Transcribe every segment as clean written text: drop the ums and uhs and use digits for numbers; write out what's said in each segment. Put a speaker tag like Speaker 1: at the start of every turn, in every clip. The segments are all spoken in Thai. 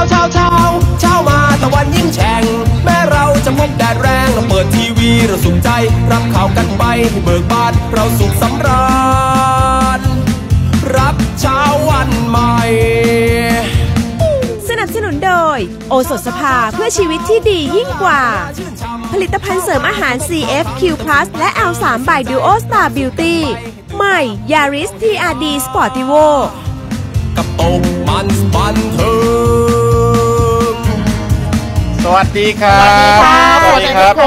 Speaker 1: เช้ามาตะวันยิ่งแฉ่งแม้เราจะพบแดดแรงเราเปิดทีวีเราสุขใจรับข่าวกันไปให้เบิกบานเราสุขสำราญรับเช้าวันใหม่
Speaker 2: สนับสนุนโดยโอสถสภาเพื่อชีวิตที่ดียิ่งกว่าผลิตภัณฑ์เสริมอาหาร CFQ+ และ L3 by Duo Star Beauty ใหม่ Yaris TRD Sportivo
Speaker 1: กับตกมันบันเทิง
Speaker 3: สวัสดีครับ
Speaker 4: สวัสดีครับ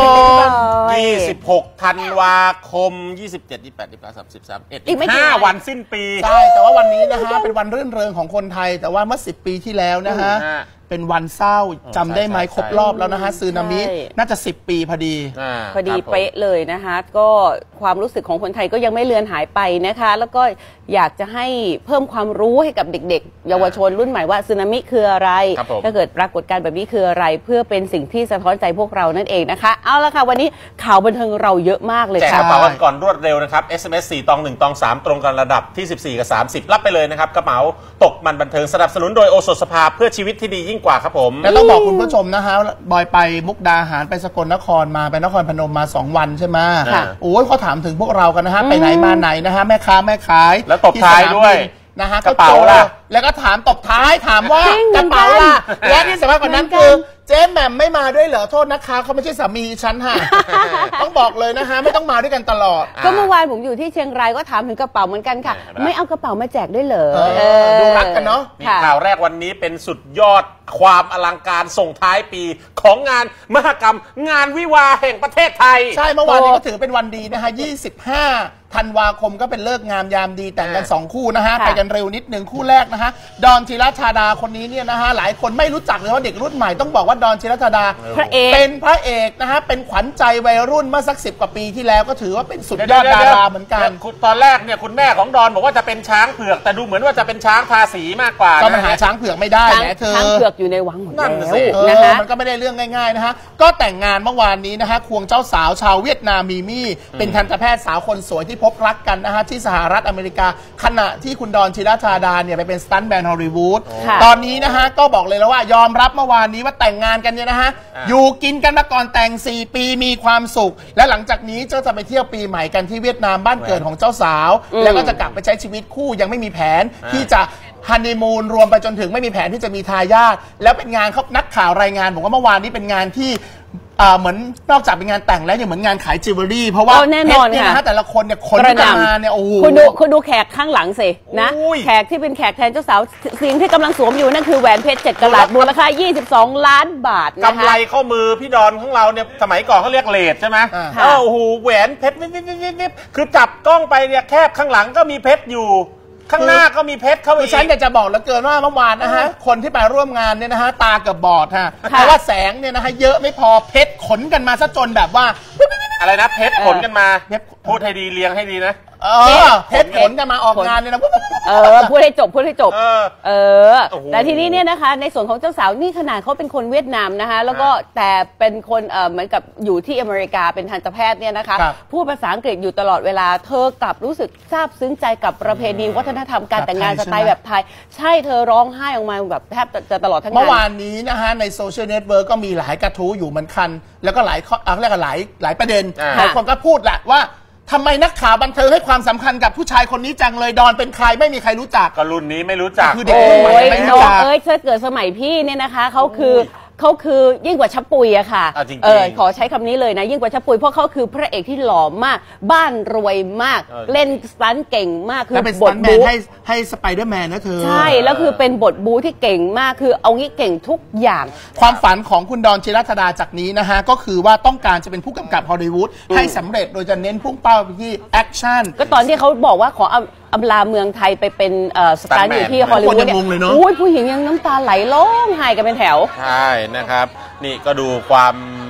Speaker 3: 26 ธันวาคม 27 28 29 30 31อีก5 วันสิ้นปี
Speaker 4: ใช่แต่ว่าวันนี้นะฮะเป็นวันรื่นเริงของคนไทยแต่ว่าเมื่อ10 ปีที่แล้วนะฮะเป็นวันเศร้าจำได้ไหมครบรอบแล้วนะฮะสึนามิน่าจะ10 ปีพอดี
Speaker 5: เป๊ะเลยนะคะก็ความรู้สึกของคนไทยก็ยังไม่เลือนหายไปนะคะแล้วก็อยากจะให้เพิ่มความรู้ให้กับเด็กๆเยาวชนรุ่นใหม่ว่าสึนามิคืออะไรถ้าเกิดปรากฏการณ์แบบนี้คืออะไรเพื่อเป็นสิ่งที่สะท้อนใจพวกเรานั่นเองนะคะเอาละค่ะวันนี้ข่าวบันเทิงเราเยอะมากเลย
Speaker 3: ค่ะแจกกระเป๋ากันก่อนรวดเร็วนะครับ SMS 4 ตอง 1 ตอง 3ตรงกันระดับที่14กับ30รับไปเลยนะครับกระเป๋าตกมันบันเทิงสนับสนุนโดยโอสถสภาเพื่อชีวิตที่ดียิ่งกว่าครับผม
Speaker 4: แล้วต้องบอกคุณผู้ชมนะฮะบอยไปมุกดาหารไปสกลนครมาไปนครพนมมา2 วันใช่ไหมโอ้ยเขาถามถึงพวกเรากันนะฮะไปไหนมาไหนนะฮะแม่ค้าแม่ขาย
Speaker 3: แล้วตบท้ายด้วย
Speaker 4: นะฮะกระเป๋าล่ะแล้วก็ถามตบท้ายถามว่ากระเป๋าล่ะและที่สำคัญกว่านั้นคือเจ๊แหม่มไม่มาด้วยเหรอโทษนะคะเขาไม่ใช่สามีฉันค่ะต้องบอกเลยนะฮะไม่ต้องมาด้วยกันตลอด
Speaker 5: ก็เมื่อวานผมอยู่ที่เชียงรายก็ถามถึงกระเป๋าเหมือนกันค่ะไม่เอากระเป๋ามาแจกด้วยเหรอ
Speaker 4: ดูรักกันเนาะ
Speaker 3: ข่าวแรกวันนี้เป็นสุดยอดความอลังการส่งท้ายปีของงานมหกรรมงานวิวาแห่งประเทศไทย
Speaker 4: ใช่เมื่อวานนี้ก็ถือเป็นวันดีนะฮะ25 ธันวาคมก็เป็นเลิกงามยามดีแต่งกัน2 คู่นะฮะไปกันเร็วนิดหนึ่งคู่แรกนะฮะดอนธีรธาดาคนนี้เนี่ยนะฮะหลายคนไม่รู้จักเลยว่าเด็กรุ่นใหม่ต้องบอกว่าดอนธีรธาดาเป็นพระเอกนะฮะเป็นขวัญใจวัยรุ่นเมื่อสัก10 กว่าปีที่แล้วก็ถือว่าเป็นสุดยอดดาราเหมือนกัน
Speaker 3: ตอนแรกเนี่ยคุณแม่ของดอนบอกว่าจะเป็นช้างเผือกแต่ดูเหมือนว่าจะเป็นช้างทาสีมากกว่า
Speaker 4: ก็มันหาช้างเผือกไม่ได้แหมเธอ
Speaker 5: ช้างเผือกอยู่ในวังหมดแล้ว
Speaker 4: นะคะมันก็ไม่ได้เรื่องง่ายๆนะฮะก็แต่งงานเมื่อวานนี้นะฮะควงเจ้าสาวชาวเวียดนามมีมี่เป็นทันตแพทย์สาวคนสวยที่พบรักกันนะฮะที่สหรัฐอเมริกาขณะที่คุณดอนธีรธาดาเนี่ยไปเป็นสตันท์แมนฮอลลีวูดตอนนี้นะฮะก็บอกเลยแล้วว่ายอมรับเมื่อวานนี้ว่าแต่งงานกันเนี่ยนะฮะอยู่กินกันมาก่อนแต่ง4 ปีมีความสุขและหลังจากนี้จะไปเที่ยวปีใหม่กันที่เวียดนามบ้านเกิดของเจ้าสาวแล้วก็จะกลับไปใช้ชีวิตคู่ยังไม่มีแผนที่จะฮันนีมูนรวมไปจนถึงไม่มีแผนที่จะมีทายาทแล้วเป็นงานเขานักข่าวรายงานบอกว่าเมื่อวานนี้เป็นงานที่เหมือนนอกจากเป็นงานแต่งแล้วยังเหมือนงานขายจิวเวลรี่เพราะว่า
Speaker 5: แน่นอน
Speaker 4: เนี่ยนะฮะแต่ละคนเนี่ยคนกันมาเนี่ยโอ้โห
Speaker 5: คุณดูแขกข้างหลังสินะแขกที่เป็นแขกแทนเจ้าสาวสิ่งที่กำลังสวมอยู่นั่นคือแหวนเพชร7 กะรัตมูลค่า22 ล้านบาท
Speaker 3: กำไรข้อมือพี่ดอนของเราเนี่ยสมัยก่อนเขาเรียกเลทใช่ไหมโอ้โหแหวนเพชรนิดคือจับกล้องไปเนี่ยแคบข้างหลังก็มีเพชรอยู่ข้างหน้าก็มีเพชรเข้าไป
Speaker 4: ฉันอยากจะบอกแล้วเกินว่าเมื่อวานนะฮะคนที่ไปร่วมงานเนี่ยนะฮะตาเกือบบอดฮะเพราะว่าแสงเนี่ยนะฮะเยอะไม่พอเพชรขนกันมาซะจนแบบว่า
Speaker 3: อะไรนะเพชรขนกันมาพูดให้ดีเรียงให้ดีนะ
Speaker 4: เพชรขนกันมาออกงานเนี่ยนะ
Speaker 5: พูดให้จบแต่ทีนี้เนี่ยนะคะในส่วนของเจ้าสาวนี่ขนาดเขาเป็นคนเวียดนามนะคะแล้วก็แต่เป็นคนเหมือนกับอยู่ที่อเมริกาเป็นทันตแพทย์เนี่ยนะคะพูดภาษาอังกฤษอยู่ตลอดเวลาเธอกลับรู้สึกซาบซึ้งใจกับประเพณีวัฒนธรรมการแต่งงานสไตล์แบบไทยใช่เธอร้องไห้ออกมาแบบแทบจะตลอดทั้งงาน
Speaker 4: เมื่อวานนี้นะฮะในโซเชียลเน็ตเวิร์กก็มีหลายกระทู้อยู่เหมือนกันแล้วก็หลายเรียกว่าหลายประเด็นหลายคนก็พูดแหละว่าทำไมนักข่าวบันเทิงให้ความสำคัญกับผู้ชายคนนี้จังเลยดอนเป็นใครไม่มีใครรู้จัก
Speaker 3: ก็รุ่นนี้ไม่รู้จัก
Speaker 4: คือเด็กรุ่นใหม่ไม่รู้จัก
Speaker 5: ถ้าเกิดสมัยพี่เนี่ยนะคะเขาคือยิ่งกว่าชับปุยอะค่ะขอใช้คำนี้เลยนะยิ่งกว่าชับปุยเพราะเขาคือพระเอกที่หล่อมากบ้านรวยมากเล่นสตันท์เก่งมากคือบทบู๊
Speaker 4: ให้สไปเดอร์แมนนะเธอ
Speaker 5: ใช่แล้วคือเป็นบทบู๊ที่เก่งมากคือเอางี้เก่งทุกอย่าง
Speaker 4: ความฝันของคุณดอนธีรธาดาจากนี้นะฮะก็คือว่าต้องการจะเป็นผู้กำกับฮอลลีวูดให้สำเร็จโดยจะเน้นพุ่งเป้าไปที่แอคชั่น
Speaker 5: ก็ตอนที่เขาบอกว่าขออำลาเมืองไทยไปเป็นสตันท์อยู่ที่ฮอลลีวูดเนี่ยผู้หญิงยังน้ำตาไหลร้องไห้กันเป็นแถว
Speaker 3: ใช่นะครับนี่ก็ดูความ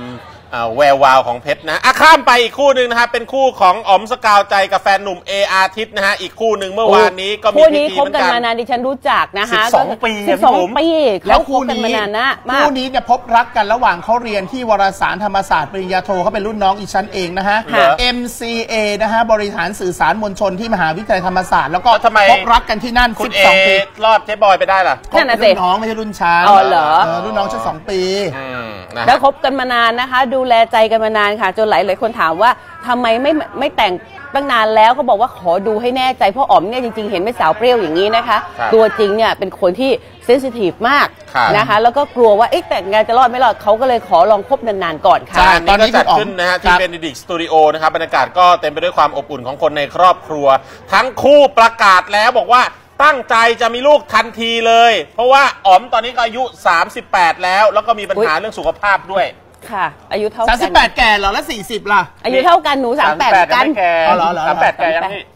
Speaker 3: แวววาวของเพชรนะข้ามไปอีกคู่หนึ่งนะฮะเป็นคู่ของอ๋อมสกาวใจกับแฟนหนุ่มอาทิตย์นะฮะอีกคู่หนึ่งเมื่อวานนี้ก็มีพิธีเหมือนกัน
Speaker 5: คู่นี้คบกันมานานดิฉันรู้จักนะคะ
Speaker 3: 12 ปี
Speaker 5: 12 ปีแล้วคู่นี้มานานนะ
Speaker 4: คู่นี้เนี่ยพบรักกันระหว่างเขาเรียนที่วารสารธรรมศาสตร์ปริญญาโทเขาเป็นรุ่นน้องอีชั้นเองนะฮะ MCA นะฮะบริหารสื่อสารมวลชนที่มหาวิทยาลัยธรรมศาสตร์แล้วก็พบรักกันที่นั่น12 ปี
Speaker 3: รอดเจ๊บอยไปได้ล่ะ
Speaker 4: รุ่นน้องไม่ใช่รุ่นฉัน
Speaker 5: เหรอ
Speaker 4: รุ่นน้องชั้น2 ปี
Speaker 5: แล้วคบกันมานานนะคะดูแลใจกันมานานค่ะจนหลายคนถามว่าทำไมไม่แต่งตั้งนานแล้วเขาบอกว่าขอดูให้แน่ใจเพราะอ๋อมเนี่ยจริงๆเห็นไม่สาวเปรี้ยวอย่างนี้นะคะตัวจริงเนี่ยเป็นคนที่เซนซิทีฟมากนะคะแล้วก็กลัวว่าแต่งงานจะรอดไม่รอดเขาก็เลยขอลองคบนานๆก่อนค่ะ
Speaker 3: ตอนนี้ก็จัดขึ้นนะฮะที่เบนดิกสตูดิโอนะครับบรรยากาศก็เต็มไปด้วยความอบอุ่นของคนในครอบครัวทั้งคู่ประกาศแล้วบอกว่าตั้งใจจะมีลูกทันทีเลยเพราะว่าอ๋อมตอนนี้ก็อายุ38แล้วก็มีปัญหาเรื่องสุขภาพด้วย
Speaker 5: ค่ะอายุเท่ากัน
Speaker 4: 38แก่เหรอแล้ว40ล่ะ
Speaker 5: อายุเท่ากันหนู38กัน
Speaker 3: 38แก่ยังพี่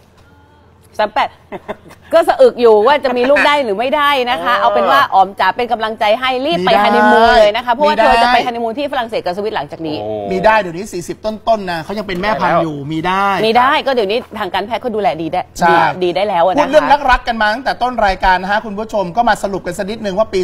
Speaker 5: 38ก็สะอึกอยู่ว่าจะมีลูกได้หรือไม่ได้นะคะเอาเป็นว่าอ๋อมจ๋าเป็นกำลังใจให้รีบไปฮันนีมูนเลยนะคะเพราะว่าเธอจะไปฮันนีมูนที่ฝรั่งเศสกับสวิตหลังจากนี้
Speaker 4: มีได้เดี๋ยวนี้40ต้นๆนะเขายังเป็นแม่พันธุ์อยู่มีได้
Speaker 5: ก็เดี๋ยวนี้ทางการแพทย์เขาดูแลดีได้แล้วนะคะ
Speaker 4: พูดเรื่องรักกันมาตั้งแต่ต้นรายการนะฮะคุณผู้ชมก็มาสรุปกันสักนิดนึงว่าปี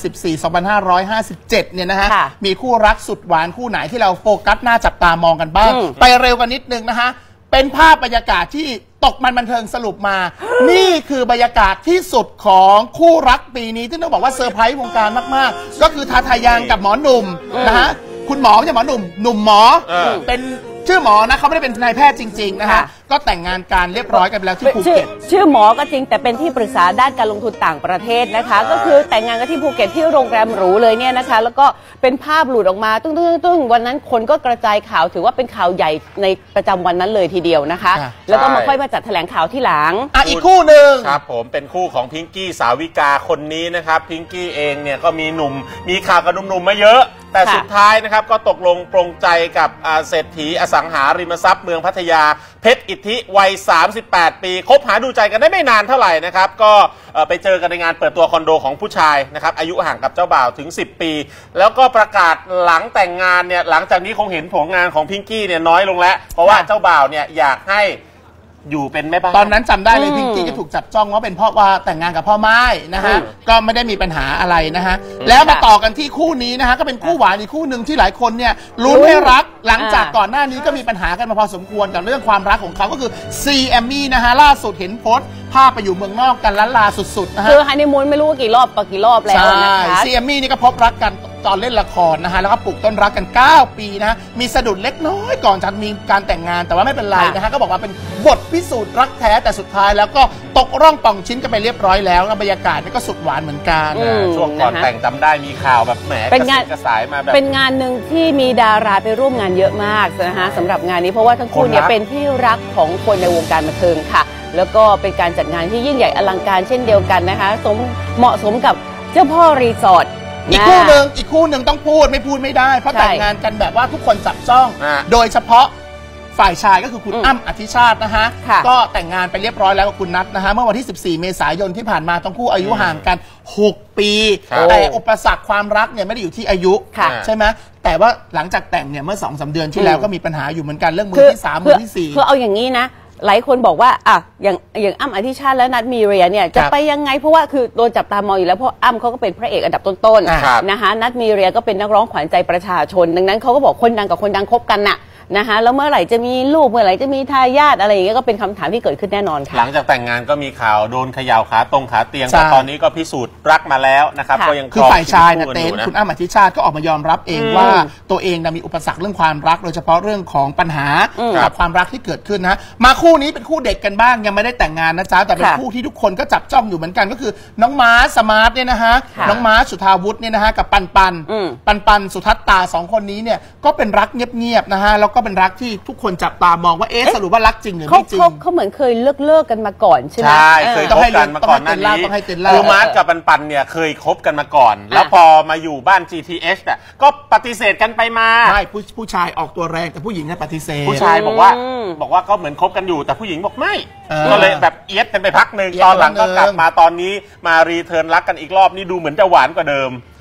Speaker 4: 2014-2557 เนี่ยนะฮะมีคู่รักสุดหวานคู่ไหนที่เราโฟกัสหน้าจับตามองกันบ้างไปเร็วกันนิดนึงนะฮะเป็นภาพบรรยากาศที่ตกมันบันเทิงสรุปมา นี่คือบรรยากาศที่สุดของคู่รักปีนี้ที่ต้องบอกว่าเซอร์ไพรส์วงการมากๆก็คือทาทายังกับหมอหนุ่มนะฮะคุณหมอไม่ใช่หมอหนุ่มหมอเป็นชื่อหมอนะเขาไม่ได้เป็นนายแพทย์จริงๆนะฮะก็แต่งงานการเรียบร้อยกันแล้วที่ภูเก็ต
Speaker 5: ชื่อหมอก็จริงแต่เป็นที่ปรึกษาด้านการลงทุนต่างประเทศนะคะก็คือแต่งงานกันที่ภูเก็ตที่โรงแรมหรูเลยเนี่ยนะคะแล้วก็เป็นภาพหลุดออกมาตึ้งวันนั้นคนก็กระจายข่าวถือว่าเป็นข่าวใหญ่ในประจำวันนั้นเลยทีเดียวนะคะแล้วก็มาค่อยมาจัดแถลงข่าวที่หลัง
Speaker 4: อีกคู่หนึ่ง
Speaker 3: ครับผมเป็นคู่ของพิงกี้สาวิกาคนนี้นะครับพิงกี้เองเนี่ยก็มีข่าวกับหนุ่มๆมาเยอะแต่สุดท้ายนะครับก็ตกลงปรงใจกับเศรษฐีอสังหาริมทรัพย์เมืองพัทยาเพชรอิทธิวัย38 ปีคบหาดูใจกันได้ไม่นานเท่าไหร่นะครับก็ไปเจอกันในงานเปิดตัวคอนโดของผู้ชายนะครับอายุห่างกับเจ้าบ่าวถึง10 ปีแล้วก็ประกาศหลังแต่งงานเนี่ยหลังจากนี้คงเห็นผลงานของพิงกี้เนี่ยน้อยลงแล้วเพราะว่าเจ้าบ่าวเนี่ยอยากให้อยู่เป็นแม่บ้าน
Speaker 4: ตอนนั้นจำได้เลยพิงกี้ก็ถูกจับจ้องว่าเป็นเพราะว่าแต่งงานกับพ่อไม้นะฮะก็ไม่ได้มีปัญหาอะไรนะฮะแล้วมาต่อกันที่คู่นี้นะฮะก็เป็นคู่หวานอีกคู่หนึ่งที่หลายคนเนี่ยลุ้นให้รักหลังจากก่อนหน้านี้ก็มีปัญหากันมาพอสมควรกับเรื่องความรักของเขาก็คือซีแอมมี่นะฮะล่าสุดเห็นโพสต์ภาพไปอยู่เมืองนอกกันล้านลาสุดๆนะฮะ
Speaker 5: คือฮันนีมูนไม่รู้ว่ากี่รอบแล้วนะคะ
Speaker 4: ซีแอมมี่นี่ก็พบรักกันตอนเล่นละครนะฮะแล้วก็ปลูกต้นรักกัน9 ปีนะมีสะดุดเล็กน้อยก่อนจะมีการแต่งงานแต่ว่าไม่เป็นไรนะฮะก็บอกว่าเป็นบทพิสูจน์รักแท้แต่สุดท้ายแล้วก็ตกร่องป่องชิ้นกันไปเรียบร้อยแล้วบรรยากาศนี่ก็สุดหวานเหมือนกัน
Speaker 3: ช่วงก่อนแต่งจำได้มีข่าวแบบแหมกระสายมาแบบ
Speaker 5: เป็นงานหนึ่งที่มีดาราไปร่วมงานเยอะมากนะฮะสำหรับงานนี้เพราะว่าทั้งคู่เนี่ยเป็นที่รักของคนในวงการบันเทิงค่ะแล้วก็เป็นการจัดงานที่ยิ่งใหญ่อลังการเช่นเดียวกันนะคะเหมาะสมกับเจ้าพ่อรีสอร์ท
Speaker 4: อีกคู่หนึ่งต้องพูดไม่ได้เพราะแต่งงานกันแบบว่าทุกคนจับจ้องโดยเฉพาะฝ่ายชายก็คือคุณอ้ำอธิชาตินะฮะก็แต่งงานไปเรียบร้อยแล้วกับคุณนัทนะฮะเมื่อวันที่14 เมษายนที่ผ่านมาทั้งคู่อายุห่างกัน6 ปีแต่อุปสรรคความรักเนี่ยไม่ได้อยู่ที่อายุใช่ไหมแต่ว่าหลังจากแต่งเนี่ยเมื่อ 2-3 เดือนที่แล้วก็มีปัญหาอยู่เหมือนกันเรื่องมือที่3มือที่4
Speaker 5: คือเอาอย่างนี้นะหลายคนบอกว่าอย่างอ้ำอธิชาติและนัทมีเรียเนี่ยจะไปยังไงเพราะว่าคือโดนจับตามองอยู่แล้วเพราะอ้ำเขาก็เป็นพระเอกอันดับต้นๆนะคะนัทมีเรียก็เป็นนักร้องขวัญใจประชาชนดังนั้นเขาก็บอกคนดังกับคนดังคบกันน่ะนะคะแล้วเมื่อไหร่จะมีลูกเมื่อไหร่จะมีทายาทอะไรอย่างเงี้ยก็เป็นคำถามที่เกิดขึ้นแน่นอนค่ะ
Speaker 3: หลังจากแต่งงานก็มีข่าวโดนเขย่าขาเตียงแต่ตอนนี้ก็พิสูจน์รักมาแล้วนะครับก็ยัง
Speaker 4: คือฝ่ายชายนะเต้นคุณอ้ำอธิชาติก็ออกมายอมรับเองว่าตัวเองมีอุปสรรคเรื่องความรักโดยเฉพาะเรื่องของปัญหากับความรักที่เกิดขึ้นนะมาคู่นี้เป็นคู่เด็กกันบ้างยังไม่ได้แต่งงานนะจ๊ะแต่เป็นคู่ที่ทุกคนก็จับจ้องอยู่เหมือนกันก็คือน้องม้าสมาร์ทเนี่ยนะฮะน้องม้าสุธาวุฒิเนี่ยนะฮะกับปันสุทัศตา2 คนนี้เนี่ยก็เป็นรักเงียบๆนะฮะแล้วก็เป็นรักที่ทุกคนจับตามองว่าสรุปว่ารักจริงหรือไม่จริง
Speaker 5: เขาเหมือนเคยเลิกกันมาก่อนใช่ไหม
Speaker 3: ใช่เคยคบกันมาก่อนนั่นนี้คือมาร์ทกับปันเนี่ยเคยคบกันมาก่อนแล้วพอมาอยู่บ้าน GTH เนี่ยก็ปฏิเสธกันไปมา
Speaker 4: ใช่ผู้ชายออกตัวแรงแต่ผู้หญิงเนี่ยปฏิเสธ
Speaker 3: ผู้ชายบอกว่าก็เหมือนคบกันอยู่แต่ผู้หญิงบอกไม่ก็เลยแบบเอียดกันไปพักหนึ่งตอนหลังก็กลับมาตอนนี้มารีเทิร์นรักกันอีกรอบนี่ดูเหมือนจะหวานกว่าเดิม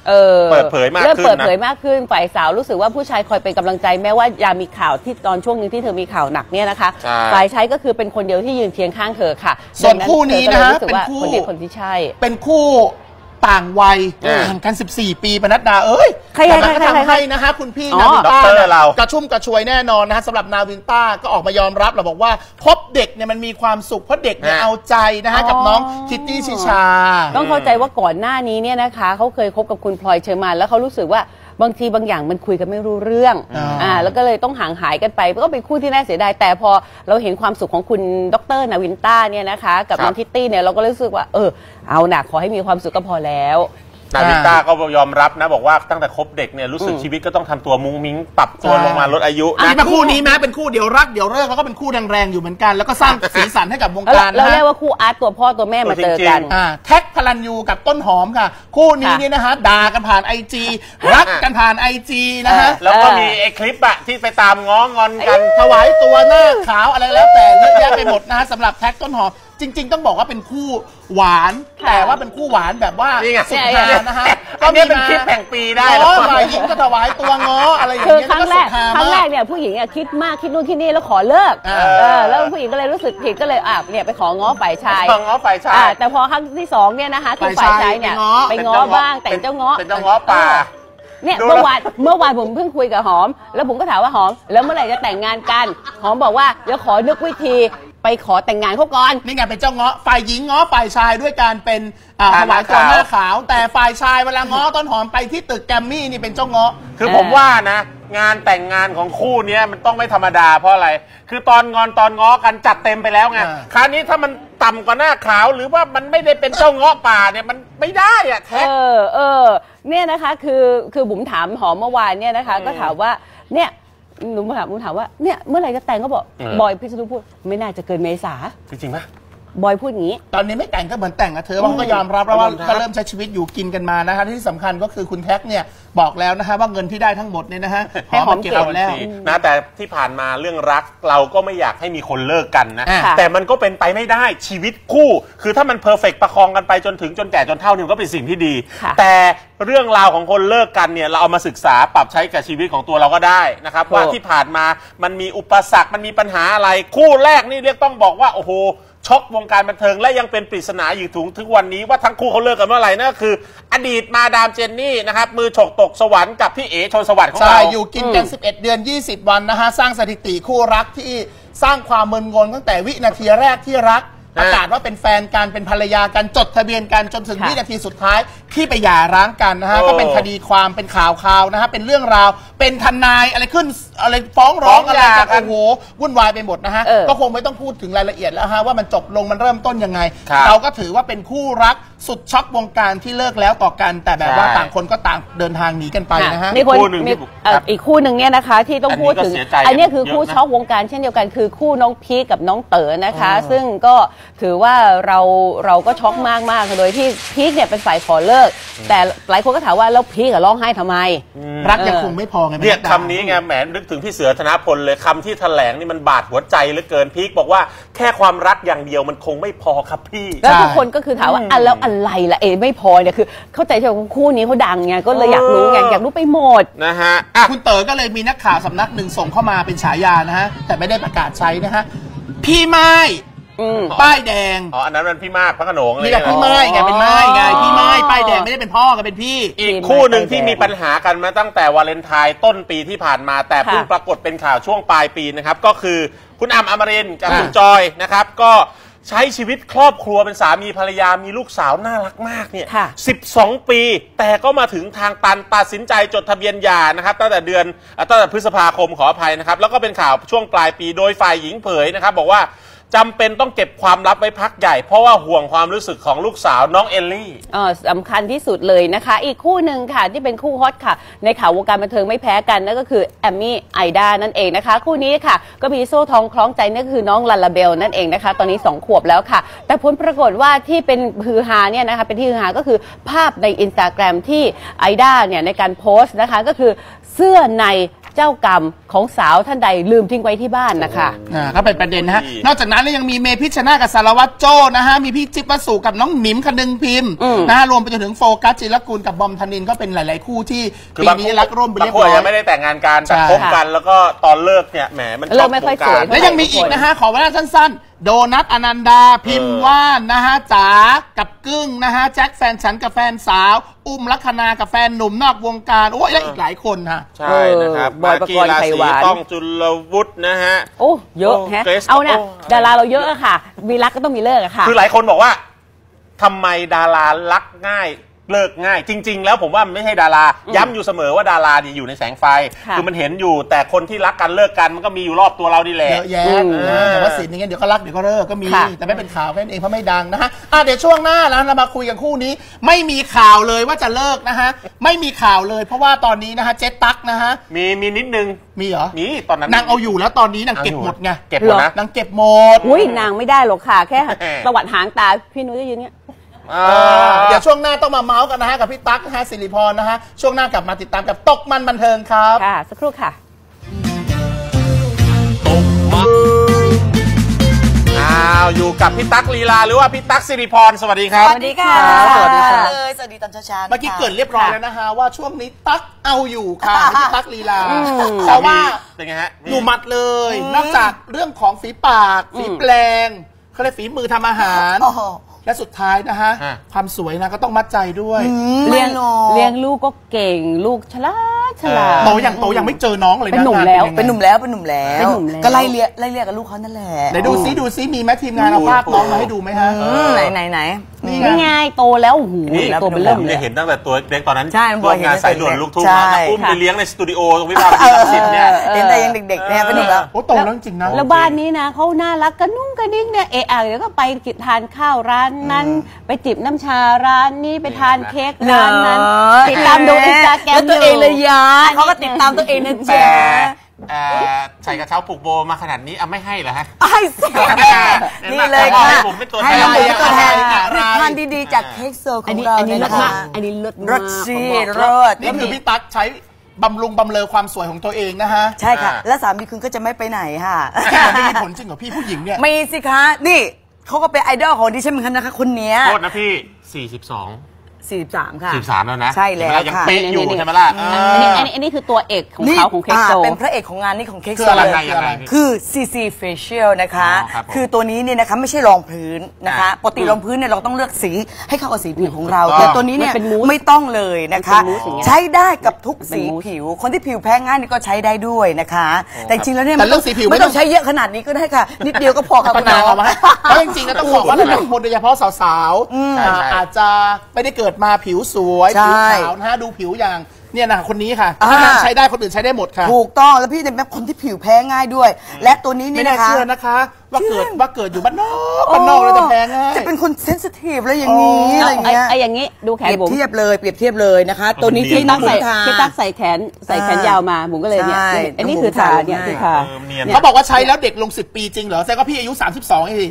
Speaker 3: เปิดเผยมากขึ้นนะ
Speaker 5: เริ่มเปิดเผยมากขึ้นฝ่ายสาวรู้สึกว่าผู้ชายคอยเป็นกำลังใจแม้ว่ายามมีข่าวที่ตอนช่วงนึงที่เธอมีข่าวหนักเนี่ยนะคะฝ่ายชายก็คือเป็นคนเดียวที่ยืนเคียงข้างเธอค่ะ
Speaker 4: ส่วนคู่นี้นะฮะ
Speaker 5: เป็นคู่คนที่ใช่
Speaker 4: เป็นคู่ต่างวัยห่างกัน14 ปีปนัดดาแต่มันก็ทำให้นะฮะคุณพี่นาวินต้ากระชุ่มกระชวยแน่นอนนะฮะสำหรับนาวินต้าก็ออกมายอมรับเราบอกว่าพบเด็กเนี่ยมันมีความสุขเพราะเด็กเนี่ยเอาใจนะฮะกับน้องคิตตี้ชิชา
Speaker 5: ต้องเข้าใจว่าก่อนหน้านี้เนี่ยนะคะเขาเคยคบกับคุณพลอยเชอร์มานแล้วเขารู้สึกว่าบางทีบางอย่างมันคุยกันไม่รู้เรื่องแล้วก็เลยต้องห่างหายกันไปก็เป็นคู่ที่น่าเสียดายแต่พอเราเห็นความสุขของคุณดร.นาวินต้าเนี่ยนะคะกับน้องคิตตี้เนี่ยเราก็รู้สึกว่าเอาหนักขอให้มีความสุขก็พอแล้ว
Speaker 3: นาวินต้าก็ยอมรับนะบอกว่าตั้งแต่คบเด็กเนี่ยรู้สึกชีวิตก็ต้องทำตัวมุ้งมิ้งปรับตัวลงมาลดอายุ
Speaker 4: นะเป็นคู่นี้แม้เป็นคู่เดี๋ยวรักเดี๋ยวเลิกแล้วก็เป็นคู่แรงๆอยู่เหมือนกันแล้วก็สร้างสีสันให้กับวงการนะ
Speaker 5: เราเรียกว่าคู่อาร์ตตัวพ่อตัวแม่มาเจอกัน
Speaker 4: แท็กพลันยูกับต้นหอมค่ะคู่นี้เนี่ยนะฮะด่ากันผ่านIGรักกันผ่านIGนะฮะ
Speaker 3: แล้วก็มีไอ้คลิปอะที่ไปตามง้องอนกัน
Speaker 4: ถวายตัวหน้าขาวอะไรแล้วแต่เยอะแยะไปหมดนะฮะสำหรับแท็กต้นหอมจริงๆต้องบอกว่าเป็นคู่หวานแต่ว่าเป็นคู่หวานแบบว่าสุดฮานะฮะ
Speaker 3: ก็มีเป็นคลิปแห่งปีได้
Speaker 4: แล้วฝ่ายหญิงก็ถวายตัวง้ออะไรอย่างเงี้ย
Speaker 5: ครั้งแรกเนี่ยผู้หญิงคิดมากคิดนู่นคิดนี่แล้วขอเลิกแล้วผู้หญิงก็เลยรู้สึกผิดก็เลยเนี่ยไปของ้อฝ่ายชายแต่พอครั้งที่2เนี่ยนะคะคือฝ่ายชายเนี่ยไปง้อบ้างแต่เจ้าง้อ
Speaker 3: เป็นเจ้าง้อป่า
Speaker 5: เนี่ยเมื่อวานผมเพิ่งคุยกับหอมแล้วผมก็ถามว่าหอมแล้วเมื่อไหร่จะแต่งงานกันหอมบอกว่าเดี๋ยวขอนึกวิธีไปขอแต่งงานเขาก่อน
Speaker 4: นี่ไงเป็นเจ้าง้อฝ่ายหญิงง้อฝ่ายชายด้วยการเป็นถวายตัวหน้าขาวแต่ฝ่ายชายเวลาง้อต้นหอมไปที่ตึกแกรมมี่นี่เป็นเจ้าง้อ
Speaker 3: คือผมว่านะงานแต่งงานของคู่นี้มันต้องไม่ธรรมดาเพราะอะไรคือตอนง้อกันจัดเต็มไปแล้วไงคราวนี้ถ้ามันต่ำกว่าหน้าขาวหรือว่ามันไม่ได้เป็นเจ้าง้อป่าเนี่ยมันไม่ได้อะแท้
Speaker 5: เนี่ยนะคะคือบุ๋มถามหอมเมื่อวานเนี่ยนะคะก็ถามว่าเนี่ยหนูถามว่าเนี่ยเมื่อไหร่จะแต่งก็บอกบอยพิษณุพูดไม่น่าจะเกินเมษา
Speaker 3: จริงไหม
Speaker 5: บอยพูดอย่างนี้
Speaker 4: ตอนนี้ไม่แต่งก็เหมือนแต่งนะเธอว่าก็ยอมรับแล้วว่าก็เริ่มใช้ชีวิตอยู่กินกันมานะคะที่สำคัญก็คือคุณแท็กเนี่ยบอกแล้วนะคะว่าเงินที่ได้ทั้งหมดเนี่ยนะฮะ
Speaker 5: ให้หอมเก็บเอา
Speaker 3: แล้วนะแต่ที่ผ่านมาเรื่องรักเราก็ไม่อยากให้มีคนเลิกกันนะแต่มันก็เป็นไปไม่ได้ชีวิตคู่คือถ้ามันเพอร์เฟกต์ประคองกันไปจนแก่จนเฒ่านี่ก็เป็นสิ่งที่ดีแต่เรื่องราวของคนเลิกกันเนี่ยเราเอามาศึกษาปรับใช้กับชีวิตของตัวเราก็ได้นะครับว่าที่ผ่านมามันมีอุปสรรคมันมีปัญหาอะไรคู่แรกนี่เรียกต้องบอกว่าโอ้โหช็อกวงการบันเทิงและยังเป็นปริศนาอยู่ถึงวันนี้ว่าทั้งคู่เขาเลิกกันเมื่อไหร่นั่นก็คืออดีตมาดามเจนนี่นะครับมือฉกตกสวรรค์กับพี่เอ๋ชลสวัสดิ์ของเรา
Speaker 4: อยู่กินกัน11 เดือน 20 วันนะฮะสร้างสถิติคู่รักที่สร้างความมึนงงตั้งแต่วินาทีแรกที่รักประกาศว่าเป็นแฟนกันเป็นภรรยากันจดทะเบียนกันจนถึงวินาทีสุดท้ายที่ไปหย่าร้างกันนะฮะก็เป็นคดีความเป็นข่าวนะฮะเป็นเรื่องราวเป็นทนายอะไรขึ้นอะไรฟ้องร้องอะไรกันโอ้โหวุ่นวายไปหมดนะฮะก็คงไม่ต้องพูดถึงรายละเอียดแล้วฮะว่ามันจบลงมันเริ่มต้นยังไงเราก็ถือว่าเป็นคู่รักสุดช็อกวงการที่เลิกแล้วต่อกันแต่แบบว่าต่างคนก็ต่างเดินทางหนีกันไปนะฮะ
Speaker 5: อีกคู่หนึ่งเนี่ยนะคะที่ต้องพูดถึงอันนี้คือคู่ช็อกวงการเช่นเดียวกันคือคู่น้องพีคกับน้องเต๋อนะคะซึ่งก็ถือว่าเราก็ช็อกมากโดยที่พีคเนี่ยเป็นฝ่ายขอเลิกแต่หลายคนก็ถามว่าแล้วพีคร้องไห้ทำไม
Speaker 4: รักยังคงไม่พอไง
Speaker 3: เรียกคำนี้ไงแหมนึกถึงพี่เสือธนพลเลยคำที่แถลงนี่มันบาดหัวใจเหลือเกินพีคบอกว่าแค่ความรักอย่างเดียวมันคงไม่พอครับพี่
Speaker 5: แล้วทุกคนก็คือถามว่าแล้วอะไรล่ะไม่พอเนี่ยคือเข้าใจว่าคู่นี้เขาดังไงก็เลยอยากรู้ไงอยากรู้ไปหมด
Speaker 3: นะฮะ
Speaker 4: คุณเต๋อก็เลยมีนักข่าวสำนักหนึ่งส่งเข้ามาเป็นฉายานะฮะแต่ไม่ได้ประกาศใช้นะฮะพี่ไม้ป้ายแดง
Speaker 3: อันนั้นมันพี่มากพระโขนงเลย
Speaker 4: นี่แหละพี่ไม้ไงเป็นไม้ไงพี่ไม้ป้ายแดงไม่ได้เป็นพ่อกันเป็นพี่
Speaker 3: อีกคู่หนึ่งที่มีปัญหากันมาตั้งแต่วาเลนไทน์ต้นปีที่ผ่านมาแต่เพิ่งปรากฏเป็นข่าวช่วงปลายปีนะครับก็คือคุณอมรินทร์กับคุณจอยนะครับก็ใช้ชีวิตครอบครัวเป็นสามีภรรยามีลูกสาวน่ารักมากเนี่ย12 ปีแต่ก็มาถึงทางตันตัดสินใจจดทะเบียนหย่านะครับตั้งแต่พฤษภาคมขออภัยนะครับแล้วก็เป็นข่าวช่วงปลายปีโดยฝ่ายหญิงเผยนะครับบอกว่าจำเป็นต้องเก็บความลับไว้พักใหญ่เพราะว่าห่วงความรู้สึกของลูกสาวน้องเอลลี่
Speaker 5: สำคัญที่สุดเลยนะคะอีกคู่หนึ่งค่ะที่เป็นคู่ฮอตค่ะในข่าววงการบันเทิงไม่แพ้กันนั่นก็คือแอมมี่ไอด้านั่นเองนะคะคู่นี้ค่ะก็มีโซ่ทองคล้องใจนั่นคือน้องลาลาเบลนั่นเองนะคะตอนนี้2 ขวบแล้วค่ะแต่ผลปรากฏว่าที่เป็นฮือฮาเนี่ยนะคะเป็นที่ฮือฮาก็คือภาพใน Instagram ที่ไอด้าเนี่ยในการโพสต์นะคะก็คือเสื้อในเจ้ากรรมของสาวท่านใดลืมทิ้งไว้ที่บ้านนะคะ
Speaker 4: ก็เป็นประเด็นนะฮะนอกจากนั้นยังมีเมพิชชนาธิ์กับสารวัตรโจ้นะฮะมีพี่จิ๊บวสุกับน้องหนิมคนึงพิมพ์นะฮะรวมไปจนถึงโฟกัสจิรกุลกับบอมธนินทร์ก็เป็นหลายๆคู่ที่ปีนี้รักร่วมไปเรียบร้อย
Speaker 3: ยังไม่ได้แต่งงานกันแต่คบกันแล้วก็ตอนเลิกเนี่ยแหมมัน
Speaker 5: เลิกไม่ค่อยสวย
Speaker 4: แล้วยังมีอีกนะฮะขอเวลาสั้นๆโดนัทอนันดาพิมพ์ว่านนะฮะจ๋ากับกึ้งนะฮะแจ็คแฟนฉันกับแฟนสาวอุ้มลัคนากับแฟนหนุ่มนอกวงการโอ้ยและอีกหลายคนฮะ
Speaker 3: ใช่นะครับ
Speaker 5: บอยปกรณ์ไขหวาน
Speaker 3: ต้องจุลวุฒินะฮะ
Speaker 5: โอ้เยอะแฮะเอาเนี่ยดาราเราเยอะอะค่ะมีรักก็ต้องมีเลิกอะค่ะ
Speaker 3: คือหลายคนบอกว่าทำไมดารารักง่ายเลิกง่ายจริงๆแล้วผมว่ามันไม่ใช่ดาราย้ำอยู่เสมอว่าดาราเนี่ยอยู่ในแสงไฟคือมันเห็นอยู่แต่คนที่รักกันเลิกกันมันก็มีอยู่รอบตัวเราดีแหละ
Speaker 4: เยอะแยะแต่ว่าสินอย่างเงี้ยเดี๋ยวก็รักเดี๋ยวก็เลิกก็มีแต่ไม่เป็นข่าวแค่นั้นเองเพราะไม่ดังนะฮะเดี๋ยวช่วงหน้าแล้วเรามาคุยกันคู่นี้ไม่มีข่าวเลยว่าจะเลิกนะฮะไม่มีข่าวเลยเพราะว่าตอนนี้นะฮะเจ๊ตั๊กนะฮะ
Speaker 3: มีนิดนึง
Speaker 4: มีเหรอ
Speaker 3: มีตอนนั้น
Speaker 4: นางเอาอยู่แล้วตอนนี้นางเก็บหมดไง
Speaker 3: เก็บหมดนะ
Speaker 4: นางเก็บหมด
Speaker 5: อุ้ยนางไม่ได้หรอกค่ะแค่ตวัดหางตาพี่นุ้ยจะยืนเนี้ย
Speaker 4: เดี๋ยวช่วงหน้าต้องมาเมาส์กันนะฮะกับพี่ตั๊กนะฮะสิริพรนะฮะช่วงหน้ากลับมาติดตามกับตกมันบันเทิงครับ
Speaker 5: ค่ะสักครู่ค่ะ
Speaker 3: ตกมันอยู่กับพี่ตั๊กลีลาหรือว่าพี่ตั๊กสิริพรสวัสดีครับ
Speaker 6: สวัสดีค่ะ
Speaker 4: สวัสดีค่ะ
Speaker 6: สวัสดีตอนเช้า
Speaker 4: เมื่อกี้เกิดเรียบร้อยแล้วนะฮะว่าช่วงนี้ตั๊กเอาอยู่ค่ะพี่ตั๊กลีลาเพราะว่า
Speaker 3: เป็นไงฮะ
Speaker 4: หนูมัดเลยนอกจากเรื่องของฝีปากฝีแปลงเขาเรียกฝีมือทำอาหารและสุดท้ายนะฮะความสวยนะก็ต้องมัดใจด้วย
Speaker 5: เลี้ยงลูกก็เก่งลูกฉลาด
Speaker 4: โตยังไม่เจอน้องเลยนะ
Speaker 5: เป็นหนุ่มแล้ว
Speaker 6: ก็ไล่เรียกกับลูกเขานั่นแหละ
Speaker 4: ไหนดูซิมีแม่ทีมงานเอาภาพน้องมาให้ดูไหมฮะ
Speaker 6: ไหน
Speaker 5: นี่ไงโตแล้วโอ้โหโตเป็นเริ่ม
Speaker 3: เลยเห็นตั้งแต่ตัวเล็กตอนนั้น
Speaker 6: ร่วม
Speaker 3: งานสายด่วนลูกทุ่งอุ้มไปเลี้ยงในสตูดิโอตรงวิภาวดีรังสิตเนี่ย
Speaker 6: เห็นแต่ยังเด็กๆเนี่ยเป็นหนุ่มแล้ว
Speaker 4: โอ้โตแล้วจริงนะ
Speaker 5: แล้วบ้านนี้นะเขาน่ารักกระนุ่งกระดิ้งเนี่ยเดี๋ยวก็ไปทานข้าวร้านนั้นไปจิบน้ำชาร้านนี้ไปทานเค้กร้านนั้นติดตามดูอินสตาแกรม
Speaker 6: ตัวเองเลยยาเขาก็ติดตามตัวเองนะจ๊ะ
Speaker 3: ใส่กระเช้าผูกโบมาขนาดนี้ไม่ให้เหรอฮะ
Speaker 6: ให้สินี่เลยค่ะให้เราเป็นตัวแทนทานดีๆจากเค้กโซของเรา
Speaker 5: เนี่ยนะคะอันนี้รส
Speaker 6: รสซีรส
Speaker 4: นี่คือพี่ตั๊กใช้บำรุงบำเรอความสวยของตัวเองนะฮะ
Speaker 6: ใช่ค่ะและสามีคุณก็จะไม่ไปไหนค่ะ
Speaker 4: ไม่มีผลจริงเหรอพี่ผู้หญิงเนี่ย
Speaker 6: มีสิคะนี่เขาก็เป็นไอดอลของดิฉันเหมือนกันนะคะคนนี้
Speaker 3: โทษนะพี่
Speaker 6: 43 ค่ะ
Speaker 3: 43แล้วนะ
Speaker 6: ใช่แล้วค่ะ
Speaker 3: ยังเป๊ะอยู่ใช่ไหมล่ะ
Speaker 5: อันนี้คือตัวเอกของเขาของเค้กโซ
Speaker 6: เป็นพระเอกของงานนี้ของเค้กโซคือ CC Facial นะคะคือตัวนี้เนี่ยนะคะไม่ใช่รองพื้นนะคะปกติรองพื้นเนี่ยเราต้องเลือกสีให้เข้ากับสีผิวของเราแต่ตัวนี้เนี่ยไม่ต้องเลยนะคะใช้ได้กับทุกสีผิวคนที่ผิวแพ้ง่ายนี่ก็ใช้ได้ด้วยนะคะแต่จริงแล้วเนี่ยไม่ต้องใช้เยอะขนาดนี้ก็ได้ค่ะนิดเดียวก็พอค่ะคุณน้อง
Speaker 4: เพราะจริงๆแล้วต้องบอกว่าหลายคนโดยเฉพาะสาวๆอาจจะไม่ได้เกิดมาผิวสวยผิวขาวนะฮะดูผิวอย่างเนี่ยนะคนนี้ค่ะใช้ได้คนอื่นใช้ได้หมดค่ะ
Speaker 6: ถูกต้องแล้วพี่เป็นแบบคนที่ผิวแพ้ง่ายด้วยและตัวนี้นี่นะคะ
Speaker 4: ไม่น่าเชื่อนะคะว่าเกิดอยู่บ้านนอกแล้วจะแพ้ง่าย
Speaker 6: จะเป็นคนเซนซิทีฟอะไรอย่างนี้อะไรเงี้ย
Speaker 5: อย่างนี้ดูแขนผม
Speaker 6: เปรียบเทียบเลยนะคะตัวนี้ที่
Speaker 5: ตั้งใส่แขนยาวมาผมก็เลยเนี่ยอันนี้คือทาเนี่ยคือทา
Speaker 4: เขาบอกว่าใช้แล้วเด็กลง10 ปีจริงเหรอแสดงว่าพี่อายุ32เอง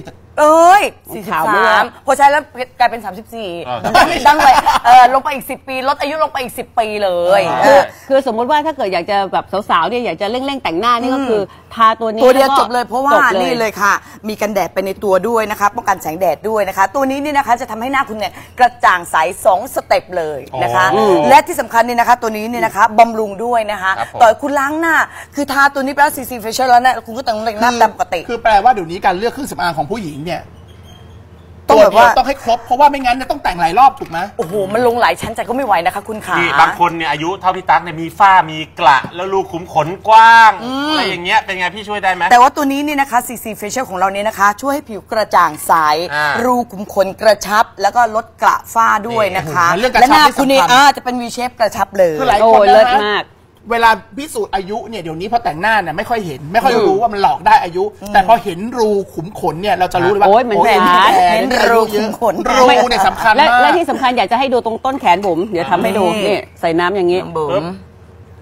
Speaker 6: 43พอใช้แล้วกลายเป็น34ดังเลยลงไปอีก10 ปีลดอายุลงไปอีก10 ปีเลย
Speaker 5: คือสมมติว่าถ้าเกิดอยากจะแบบสาวๆเนี่ยอยากจะเร่งแต่งหน้านี่ก็คือทาตัวนี้
Speaker 6: ตัวเดียวจบเลยเพราะว่านี่เลยค่ะมีกันแดดไปในตัวด้วยนะคะป้องกันแสงแดดด้วยนะคะตัวนี้นี่นะคะจะทำให้หน้าคุณเนี่ยกระจ่างใส2 สเต็ปเลยนะคะและที่สำคัญนี่นะคะตัวนี้เนี่ยนะคะบำรุงด้วยนะคะต่อคุณล้างหน้าคือทาตัวนี้ไปแล้ว CC Facial แล้วเนี่ยคุณก็แต่งหน้าตามปกติ
Speaker 4: คือแปลว่าเดี๋ยวนี้การเลือกเครื่องสำอางของผู้หญิงเนี่ยต้องแบบว่าต้องให้ครบเพราะว่าไม่งั้นจะต้องแต่งหลายรอบถูกไหม
Speaker 6: โอ้โหมันลงหลายชั้นใจก็ไม่ไหวนะคะคุณขา
Speaker 3: บางคนเนี่ยอายุเท่าพี่ตั๊กเนี่ยมีฝ้ามีกระแล้วรูขุมขนกว้างอะไรอย่างเงี้ยเป็นไงพี่ช่วยได้ไหม
Speaker 6: แต่ว่าตัวนี้นี่นะคะ CC Facial ของเราเนี่ยนะคะช่วยให้ผิวกระจ่างใสรูขุมขนกระชับแล้วก็ลดกระฝ้าด้วยนะคะและหน้าคุณนี่จะเป็น V shape กระชับเลย
Speaker 4: คือหลายคนเลิศมากเวลาพิสูจน์อายุเนี่ยเดี๋ยวนี้พอแต่งหน้าเนี่ยไม่ค่อยเห็นไม่ค่อยรู้ว่ามันหลอกได้อายุแต่พอเห็นรูขุมขนเนี่ยเราจะรู้เลยว่า
Speaker 5: มันแ
Speaker 6: เห็นรูขุมขน
Speaker 4: รูเนี่ยสำคัญมาก
Speaker 5: และที่สำคัญอยากจะให้ดูตรงต้นแขนผมเดี๋ยวทำให้ดูนี่ใส่น้ำอย่างนี้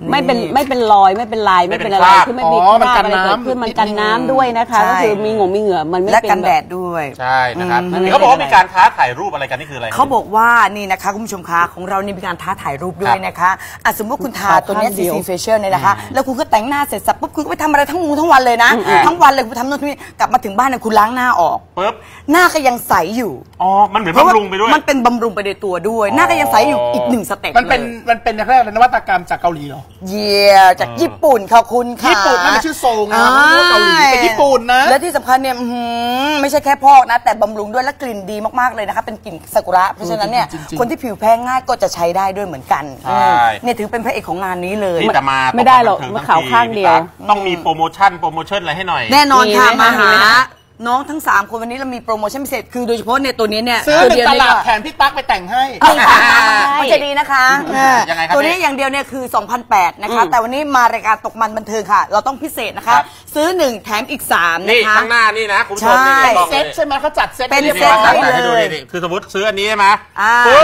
Speaker 5: ไม่เป็นรอยไม่เป็นลายไม่เป็นอะไรคือไม่มีคราบอะไรเกิดขึ้นมันกันน้ำด้วยนะคะก็คือมีมีเหงื่อมันไม่เป็นและ
Speaker 6: กันแดดด้วย
Speaker 3: ใช่นะครับเขาบอกว่ามีการท้าถ่ายรูปอะไรกันนี่คืออะไร
Speaker 6: เขาบอกว่านี่นะคะคุณผู้ชมคะของเรานี่มีการท้าถ่ายรูปด้วยนะคะสมมติคุณทาตัวนี้ CC Facial เนี่ยนะคะแล้วคุณก็แต่งหน้าเสร็จสับปุ๊บคุณก็ไปทำอะไรทั้งวันเลยนะทั้งวันเลยคุณทำโน่นนี่กลับมาถึงบ้านเนี่ยคุณล้างหน้าออก
Speaker 3: ปุ๊บ
Speaker 6: หน้าก็ยังใสอยู่
Speaker 3: อ๋อมันเหมือนบำรุงไปด้วย
Speaker 6: มันเป็นบำรุงไปในตัวด้วยหน้าก็ยังใสอยู่อีก1สเต็ป
Speaker 4: มันเป็นแรกๆนวัตกรรมจากเกาหลีเหรอ
Speaker 6: จากญี่ปุ่นค่ะคุณค่ะ
Speaker 4: ญี่ปุ่นนั่นชื่อโซงนะเกาหลีเป็นญี่ปุ่นนะ
Speaker 6: และที่สำคัญเนี่ยไม่ใช่แค่พอกนะแต่บำรุงด้วยและกลิ่นดีมากๆเลยนะคะเป็นกลิ่นซากุระเพราะฉะนั้นเนี่ยคนที่ผิวแพ้ง่ายก็จะใช้ได้ด้วยเหมือนกันเนี่ยถือเป็นพระเอกของงานนี้เลย
Speaker 5: ไม่ได้หรอกมาข่าวข้างเดียว
Speaker 3: ต้องมีโปรโมชั่นอะไรให้หน่อย
Speaker 6: แน่นอนค่ะมาหาน้องทั้ง3คนวันนี้เรามีโปรโมชั่นพิเศษคือโดยเฉพาะในตัวนี้เนี่ย
Speaker 4: ซื้อ1ตลับแถมพี่ตั๊กไปแต่งให้
Speaker 6: มันจะดีนะคะตัวนี้อย่างเดียวเนี่ยคือ 2,800 นะคะแต่วันนี้มารายการตกมันบันเทิงค่ะเราต้องพิเศษนะคะซื้อ1แถมอีก3
Speaker 3: นี่ข้างหน้านี่นะคุณผู้ชมนี่
Speaker 4: เซ็ตใช่ไหมเขาจัดเซ็ต
Speaker 6: เป็นเซ็ต
Speaker 3: ให้ดูดิคือสมมติซื้ออันนี้ใช่ไหม
Speaker 6: ปุ๊บ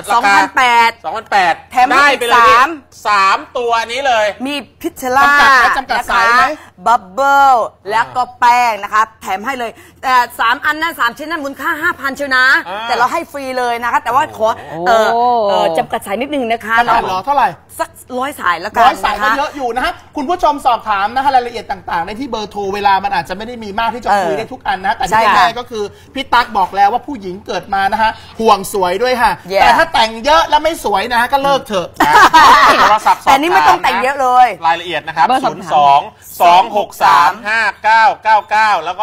Speaker 3: 2,800
Speaker 6: แถมอีก
Speaker 3: 3ตัวนี้เลย
Speaker 6: มีพิชล่านะคะบับเบิ้ลแล้วก็แป้งนะคะแถมให้เลยแต่3อันนั้น3ชิ้นนั้นมูลค่า 5,000 เชียวนะแต่เราให้ฟรีเลยนะคะแต่ว่าขอจำกัดสายนิดนึงนะคะ
Speaker 4: จำกัดเท่าไหร่
Speaker 6: สัก100 สายแล้วกัน
Speaker 4: 100 สายก็เยอะอยู่นะฮะคุณผู้ชมสอบถามนะคะรายละเอียดต่างๆได้ที่เบอร์โทรเวลามันอาจจะไม่ได้มีมากที่จะคุยได้ทุกอันนะแต่ที่แน่ๆก็คือพี่ตั๊กบอกแล้วว่าผู้หญิงเกิดมานะฮะห่วงสวยด้วยค่ะแต่ถ้าแต่งเยอะแล้วไม่สวยนะฮะก็เลิกเถอะ
Speaker 6: แต่นี่ไม่ต้องแต่งเยอะเลย
Speaker 3: รายละเอียดนะครับ02-263-5999แล้วก็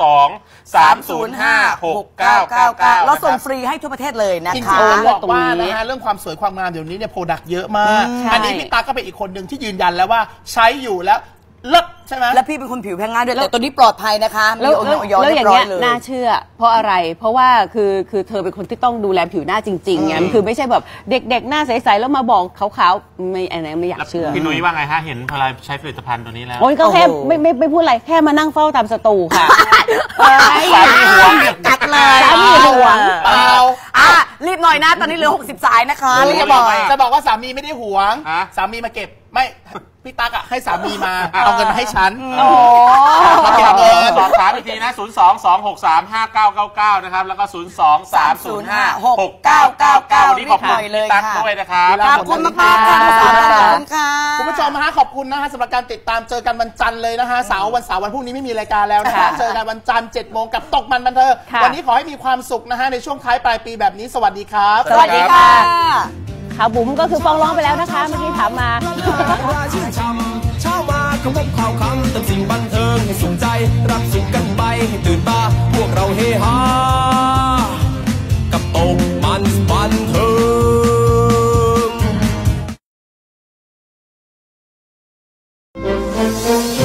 Speaker 3: 02-305-6999
Speaker 6: เราส่งฟรีให้ทั่วประเทศเลยนะคะ
Speaker 4: จริงๆบอกว่านะฮะเรื่องความสวยความงามเดี๋ยวนี้เนี่ยโปรดักต์เยอะมากอันนี้พี่ตั๊กก็เป็นอีกคนหนึ่งที่ยืนยันแล้วว่าใช้อยู่แล้วเลิศใช่ไหม
Speaker 6: แล้วพี่เป็นคนผิวแพ้ง่ายด้วยแต่ตัวนี้ปลอดภัยนะคะ
Speaker 5: แล้วอย่างเงี้ยน่าเชื่อเพราะอะไรเพราะว่าคือเธอเป็นคนที่ต้องดูแลผิวหน้าจริงๆไงคือไม่ใช่แบบเด็กๆหน้าใสๆแล้วมาบอกขาวๆไม่อันนั้นไม่อยากเชื่อ
Speaker 3: พี่นุ้ยว่าไงฮะเห็นพอใช้ผลิตภัณฑ์ตัวนี้แล้ว
Speaker 5: โอ้ยก็แค่ไม่พูดอะไรแค่มานั่งเฝ้าตามสตูค่ะ
Speaker 3: สามีห่วง
Speaker 6: จัดเลย
Speaker 5: สามีห่วง
Speaker 6: รีบหน่อยนะตอนนี้เหลือ60 สายนะคะ
Speaker 4: จะบอกว่าสามีไม่ได้ห่วงสามีมาเก็บไม่พี่ตั๊กให้สามีมาเอาเงินมาให้ฉัน
Speaker 3: มาเก็บเงินสอบถามอีกทีนะ02-263-5999นะครับแล้วก็02-305-6999นี่ขอบคุณพี่ตั๊กด้วยนะครับ
Speaker 6: ขอบคุณมากๆค่ะ
Speaker 4: คุณผู้ชมฮะขอบคุณนะฮะสำหรับการติดตามเจอกันวันจันทร์เลยนะฮะวันเสาร์วันพรุ่งนี้ไม่มีรายการแล้วนะคะเจอกันวันจันทร์ 7 โมงกับตกมันบันเทิงวันนี้ขอให้มีความสุขนะฮะในช่วงท้ายปลายปีแบบนี้สวัสดีครับ
Speaker 6: สวัสดีค่ะ
Speaker 5: ข่าวบุ๋มก็คือฟ้องร้องไปแล้วนะคะเมื่อกี้ถามมา
Speaker 1: เช้ามาขมบข่าวคำเติมสิ่งบันเทิงให้สุขใจรับสุขกันไปให้ตื่นตาพวกเราเฮฮากับตกมันบันเทิง